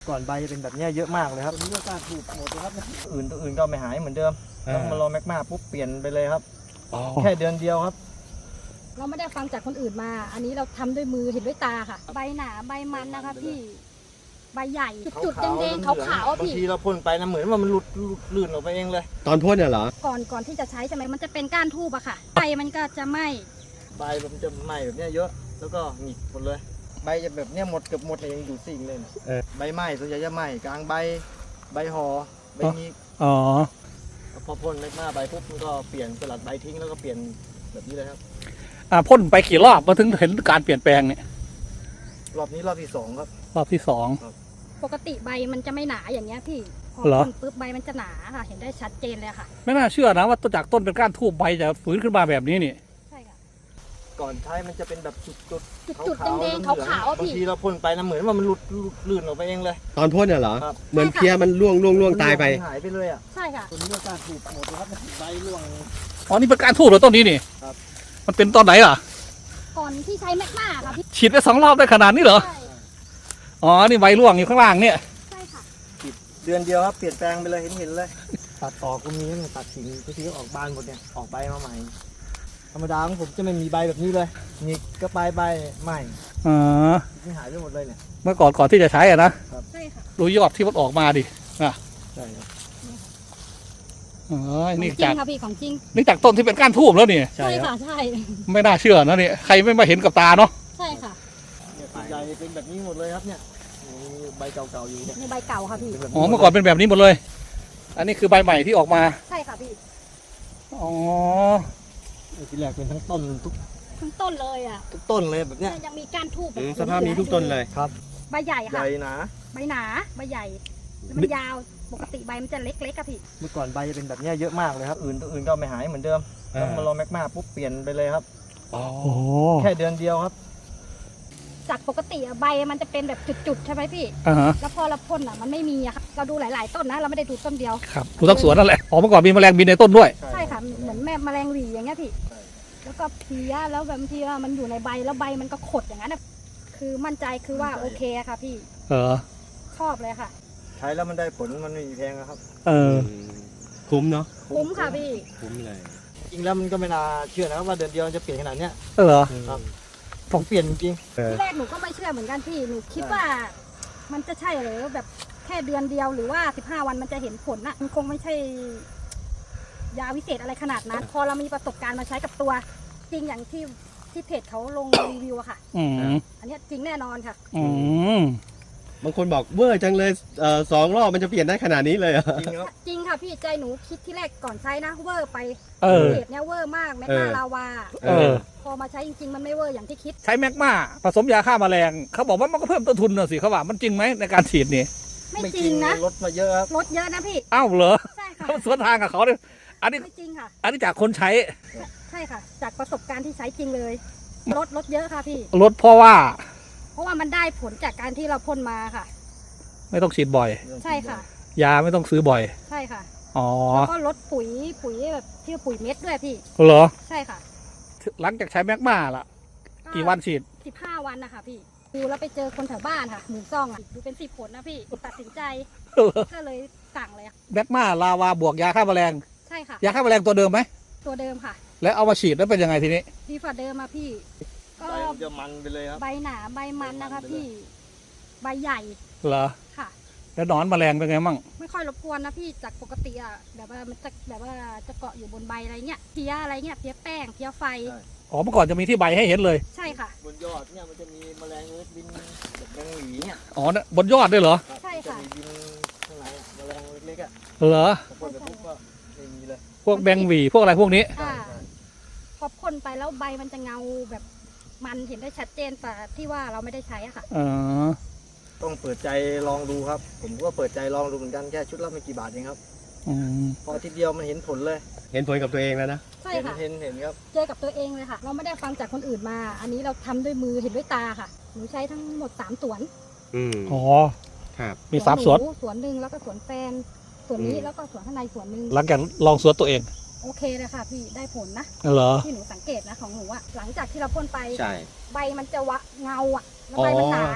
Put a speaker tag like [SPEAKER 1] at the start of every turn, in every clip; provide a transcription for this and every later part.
[SPEAKER 1] ก่อนใบจะเป็นแบบนี้เยอะมากเลยครับมีโอกาสถูกหมดเลยครับอื่นก็ไม่หายเหมือนเดิมต้องมารอแมกมาปุ๊บเปลี่ยนไปเลยครับแค่เดือนเดียวครับ
[SPEAKER 2] เราไม่ได้ฟังจากคนอื่นมา อันนี้เราทำด้วยมือเห็นด้วยตาค่ะ ใบหนาใบมันนะคะพี่ใบใหญ่จุดๆแดงๆขาวๆ
[SPEAKER 1] บาง
[SPEAKER 2] พี่
[SPEAKER 1] ทีเราพ่นไปนะเหมือนว่ามันหลุดลื่นออกไปเองเลย
[SPEAKER 3] ตอนพ่นเนี่ยเหรอ
[SPEAKER 2] ก่อนที่จะใช้ใช่ไหมมันจะเป็นก้านทูบอะค่ะใบมันก็จะไหม้
[SPEAKER 1] ใบมันจะไหม้แบบนี้เยอะแล้วก็หงิกหมดเลยใบจะแบบนี้หมดเกือบหมดเลยยังอยู่สิ่งเลยนะใบไหม้ส่วนใหญ่จะไหม้กลางใบห่อใบนี้พอพ่นแมกมาใบปุ๊บมันก็เปลี่ยนสลัดใบทิ้งแล้วก็เปลี่ยนแบบนี้เลยครับ
[SPEAKER 4] พ่นไปกี่รอบมาถึงเห็นการเปลี่ยนแปลงเนี่ย
[SPEAKER 1] รอบนี้รอบที่2ครับ
[SPEAKER 4] รอบที่
[SPEAKER 2] ปกติใบมันจะไม่หนาอย่างเงี้ยพี่พอ
[SPEAKER 4] เหรอ
[SPEAKER 2] พ่นปุ๊บใบมันจะหนาค่ะเห็นได้ชัดเจนเลยค่ะ
[SPEAKER 4] ไม่น่าเชื่อนะว่าต้นจากต้นเป็นก้านทูบใบจะฟื้นขึ้นมาแบบนี้นี่
[SPEAKER 2] ใช่ค่ะ
[SPEAKER 1] ก่อนใช้มันจะเป็นแบบจุด
[SPEAKER 2] แดงๆขาวๆ
[SPEAKER 1] บาง
[SPEAKER 2] พี่
[SPEAKER 1] ทีเราพ่นไปนะเหมือนว่ามันหลุดลื่นออกไปเองเลย
[SPEAKER 3] ตอนพ่นเนี่ยเหรอ
[SPEAKER 1] ครับ
[SPEAKER 3] เหมือนเพี้ยมันล่วงตายไป
[SPEAKER 1] หายไปเลยอ่ะ
[SPEAKER 2] ใช่ค่ะ
[SPEAKER 1] ตัวนี้ก็การถูกหมดเลยครับใบร่วง
[SPEAKER 4] อ๋อนี่เป็นก้านทูบเหรอต้นนี้นี่
[SPEAKER 1] ครับ
[SPEAKER 4] มันเป็นตอนไหนล่ะ
[SPEAKER 2] ก่อนที่ใช้แมกมาค่ะพี่
[SPEAKER 4] ฉีดไป2 รอบได้ขนาดนี้เหรอ
[SPEAKER 2] ใช่
[SPEAKER 4] อ๋อนี่ใบร่วงอยู่ข้างล่างเนี่ย
[SPEAKER 2] ใช่ค่ะ
[SPEAKER 1] เดือนเดียวครับเปลี่ยนแปลงไปเลยเห็นเลยตัดต่อก็มีเนี่ยตัดสิ่งที่ออกบานหมดเนี่ยออกใบมาใหม่ธรรมดาของผมจะไม่มีใบแบบนี้เลยนี่ก็ใบใหม่
[SPEAKER 4] อ๋อ
[SPEAKER 1] ที่หายไปหมดเลยเนี่ย
[SPEAKER 4] เมื่อก่อนที่จะใช้อะนะ
[SPEAKER 2] ใช่ค่ะ
[SPEAKER 4] ดูยอดที่มันออกมาดิ
[SPEAKER 1] ใช่ครับ
[SPEAKER 4] อ๋อ
[SPEAKER 2] ของ
[SPEAKER 4] นี่
[SPEAKER 2] จริ
[SPEAKER 4] จาก
[SPEAKER 2] งค่ะพี่ของจริง
[SPEAKER 4] นี่จากต้นที่เป็นก้านทูบแล้วนี่
[SPEAKER 2] ใช่ค่ะใช่
[SPEAKER 4] ไม่น่าเชื่อนะเนี่ยใครไม่มาเห็นกับตาเนาะ
[SPEAKER 2] ใช่ค่ะ
[SPEAKER 1] เนี่ยส่วนใหญ่เป็นแบบนี้หมดเลยครับเนี่ยมีใบเก่าๆอยู่เนี่ย
[SPEAKER 2] ในใบเก่าค่ะพี่
[SPEAKER 1] ป็แบบ
[SPEAKER 4] อ๋อเมื่อก่อนเป็นแบบนี้หมดเลย อันนี้คือใบใหม่ที่ออกมา
[SPEAKER 2] ใช่ค่ะพี่
[SPEAKER 4] อ๋อ
[SPEAKER 1] ทีแรกเป็นทั้งต้นทุก
[SPEAKER 2] ทั้งต้นเลยอ่ะ
[SPEAKER 1] ต้นเลยแบบเนี้ย
[SPEAKER 2] ยังมีก้านทูบแบบ
[SPEAKER 3] สภาพนี้ทุกต้นเลย
[SPEAKER 1] ครับ
[SPEAKER 2] ใบใหญ่
[SPEAKER 1] ให
[SPEAKER 2] ค่ะ
[SPEAKER 1] ญ่หนา
[SPEAKER 2] ใบหนาใบใหญ่แล้วมันยาวปกติใบมันจะเล็กๆอะพี่
[SPEAKER 1] เมื่อก่อนใบจะเป็นแบบนี้เยอะมากเลยครับอื่นก็ไม่หายเหมือนเดิมต้องมารอแมกมาปุ๊บเปลี่ยนไปเลยครับ
[SPEAKER 4] อ๋อ
[SPEAKER 1] แค่เดือนเดียวครับ
[SPEAKER 2] จากปกติอะใบมันจะเป็นแบบจุดๆใช่ไหมพี่
[SPEAKER 4] อ่าฮะ
[SPEAKER 2] แล้วพอเราพ่นอะมันไม่มีอะค่ะเราดูหลายๆต้นนะเราไม่ได้ดูต้นเดียว
[SPEAKER 4] ครับดูทั้งสวนนั่นแหละอ๋อเมื่อก่อนมีแมลงบินในต้นด้วย
[SPEAKER 2] ใช่ค่ะเหมือนแมลงหวีอย่างเงี้ยพี่
[SPEAKER 1] ใช่
[SPEAKER 2] แล้วก็เพลี้ยแล้วบางทีว่ามันอยู่ในใบแล้วใบมันก็ขดอย่างนั้นอะคือมั่นใจคือว่าโอเคอะค่ะพี่
[SPEAKER 4] เออ
[SPEAKER 2] ชอบเลยค่ะ
[SPEAKER 1] ใช้แล้วมันได้ผลมันไม่มีแพงนะครับ
[SPEAKER 4] เออ
[SPEAKER 3] คุ้มเนาะ
[SPEAKER 2] คุ้มค่ะพี่
[SPEAKER 3] คุ้มเลย
[SPEAKER 1] จริงแล้วมันก็ไม่น่าเชื่อนะครับว่าเดือนเดียวจะเปลี่ยนขนาดเนี้ย
[SPEAKER 4] เหรอ
[SPEAKER 1] ครับผมเปลี่ยนจริง
[SPEAKER 2] ที่แรกหนูก็ไม่เชื่อเหมือนกันพี่หนูคิดว่า มันจะใช่หรือแบบแค่เดือนเดียวหรือว่า15 วันมันจะเห็นผลน่ะมันคงไม่ใช่ยาวิเศษอะไรขนาดนั้น พอเรามีประสบการณ์มาใช้กับตัว จริงอย่างที่เพจเขาลงรีวิวอะค่ะ
[SPEAKER 4] อืม
[SPEAKER 2] อันเนี้ยจริงแน่นอนค่ะ
[SPEAKER 4] อืม
[SPEAKER 3] บางคนบอกเวอร์จังเลย2 รอบมันจะเปลี่ยนได้ขนาดนี้เลยเหรอ
[SPEAKER 1] จริงครับ
[SPEAKER 2] จริงค่ะพี่ใจหนูคิดที่แรกก่อนใช้นะเวอร์ไป
[SPEAKER 4] เออ
[SPEAKER 2] เพจเนี้ยเวอร์มากแมกนาลาวา
[SPEAKER 4] เออ
[SPEAKER 2] พอมาใช้จริงๆมันไม่เวอร์อย่างที่คิด
[SPEAKER 4] ใช้แมกมาผสมยาฆ่าแมลงเขาบอกว่ามันก็เพิ่มต้นทุนน่ะสิเขาว่ามันจริงไหมในการฉีดนี่
[SPEAKER 2] ไม่จริงนะ
[SPEAKER 1] ลดมาเยอะครับ
[SPEAKER 2] ลดเยอะนะพี่
[SPEAKER 4] อ้าวเหรอ
[SPEAKER 2] ใช่ค่ะ
[SPEAKER 4] เขาสวนทางกับเขาเลยอันนี้
[SPEAKER 2] ไม่จริงค่ะ
[SPEAKER 4] อันนี้จากคนใช้
[SPEAKER 2] ใช่ค่ะ จากประสบการณ์ที่ใช้จริงเลยลดเยอะค่ะพี่
[SPEAKER 4] ลดเพราะว่า
[SPEAKER 2] เพราะว่ามันได้ผลจากการที่เราพ่นมาค่ะ
[SPEAKER 4] ไม่ต้องฉีดบ่อย
[SPEAKER 2] ใช่ค่ะ
[SPEAKER 4] ยาไม่ต้องซื้อบ่อย
[SPEAKER 2] ใช่ค่ะ
[SPEAKER 4] อ๋อ
[SPEAKER 2] แล้วก็ลดปุ๋ยแบบที่ปุ๋ยเม็ดด้วยพี่
[SPEAKER 4] เหรอ
[SPEAKER 2] ใช่ค่ะ
[SPEAKER 4] หลังจากใช้แมกมาล่ะ กี่วันฉีด
[SPEAKER 2] 15 วันนะคะพี่ดูแล้วไปเจอคนแถวบ้านค่ะหมู่ซ่องอ่ะดูเป็น10 ผลนะพี่ตัดสินใจก็เลยสั่งเลยค่ะ
[SPEAKER 4] แมกมาลาวาบวกยาฆ่าแมลง
[SPEAKER 2] ใช่ค่ะ
[SPEAKER 4] ยาฆ่าแมลงตัวเดิมไหม
[SPEAKER 2] ตัวเดิมค่ะ
[SPEAKER 4] แล้วเอามาฉีดแล้วเป็นยังไงทีนี้
[SPEAKER 2] ดีฝ่าเดิมมาพี่ ก็
[SPEAKER 1] ใบมันจะมันไปเลยครับ
[SPEAKER 2] ใบหนาใบมันนะคะพี่ ใบใหญ่
[SPEAKER 4] เหรอ
[SPEAKER 2] ค่ะ
[SPEAKER 4] แล้วหนอนแมลงเป็นไงมั่ง
[SPEAKER 2] ไม่ค่อยรบกวนนะพี่จากปกติอ่ะแบบว่ามันจะแบบว่าจะเกาะอยู่บนใบอะไรเงี้ยเพี้ยอะไรเงี้ยเพี้ยแป้งเพี้ยไฟ
[SPEAKER 4] อ๋อเมื่อก่อนจะมีที่ใบให้เห็นเลย
[SPEAKER 2] ใช่ค่ะ
[SPEAKER 1] บนยอดเนี่ยมันจะมีแมลงเล็กบินแบบแมงหวีเนี่ย
[SPEAKER 4] อ๋อเนี่ยบนยอดด้วยเหรอ
[SPEAKER 1] รับ
[SPEAKER 2] ใช่ค่ะ
[SPEAKER 1] จมีบินข้างในอะแมลงเล็กๆอ่ะ
[SPEAKER 4] เหรอ
[SPEAKER 1] พอพ่นไปปุ๊บก็ไม่มีเลย
[SPEAKER 4] พวกแบงหวีพวกอะไรพวกนี้
[SPEAKER 2] อ่าพอพ่นไปแล้วใบมันจะเงาแบบมันเห็นได้ชัดเจนแต่ที่ว่าเราไม่ได้ใช้อะค่ะ
[SPEAKER 4] อ๋อ
[SPEAKER 1] ต้องเปิดใจลองดูครับ ผมก็เปิดใจลองดูเหมือนกันแค่ชุดละไม่กี่บาทเองครับ
[SPEAKER 4] อืม
[SPEAKER 1] พออาทีเดียวมันเห็นผลเลย
[SPEAKER 3] เห็นผลกับตัวเองแล้วนะ
[SPEAKER 2] ใช่ค่ะ
[SPEAKER 1] เห็นครับ
[SPEAKER 2] เจอกับตัวเองเลยค่ะ เราไม่ได้ฟังจากคนอื่นมา อันนี้เราทำด้วยมือเห็นด้วยตาค่ะหนูใช้ทั้งหมด3 สวน
[SPEAKER 4] อ๋อ
[SPEAKER 3] ครับ
[SPEAKER 4] มี3 สวน
[SPEAKER 2] หสวนหนึ่งแล้วก็สวนแฟนสวนนี้
[SPEAKER 3] อืม
[SPEAKER 2] แล้วก็สวนข้างในสวนหนึ่ง
[SPEAKER 4] หลังจากลองสวนตัวเอง
[SPEAKER 2] โอเคเลยค่ะพี่ได้ผลนะ
[SPEAKER 4] เหรอ
[SPEAKER 2] ที่หนูสังเกตนะของหนูอะหลังจากที่เราพ่นไป
[SPEAKER 3] ใช่
[SPEAKER 2] ใบมันจะวะเงาอะแล้วใบมันหนา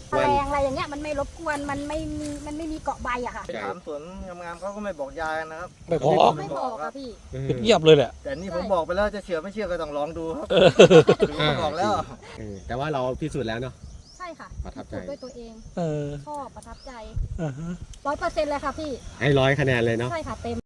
[SPEAKER 2] แมลงอะไรอย่างเงี้ยมันไม่รบกวนมันไม่มีเกาะใบอะค่ะ
[SPEAKER 1] ไปถามสวนงามๆเขาก็ไม่บอกยากันนะครับ
[SPEAKER 4] ไม่บอก
[SPEAKER 2] ไม่บอกค่ะพี่
[SPEAKER 4] เงียบเลยแหละ
[SPEAKER 1] แต่นี่ผมบอกไปแล้วจะเชื่อไม่เชื่อก็ต้องลองดูครับผมบอกแล้ว
[SPEAKER 3] แต่ว่าเราพิสูจน์แล้วเนาะ
[SPEAKER 2] ใช่ค่ะ
[SPEAKER 3] ประทับใจ
[SPEAKER 2] ฝึกด้วยตัวเอง
[SPEAKER 4] เออ
[SPEAKER 2] ชอบประทับใจ
[SPEAKER 4] อ่าฮะ
[SPEAKER 2] 100%เลยค่ะพี่
[SPEAKER 3] ให้100 คะแนนเลยเนาะ
[SPEAKER 2] ใช่ค่ะเต็ม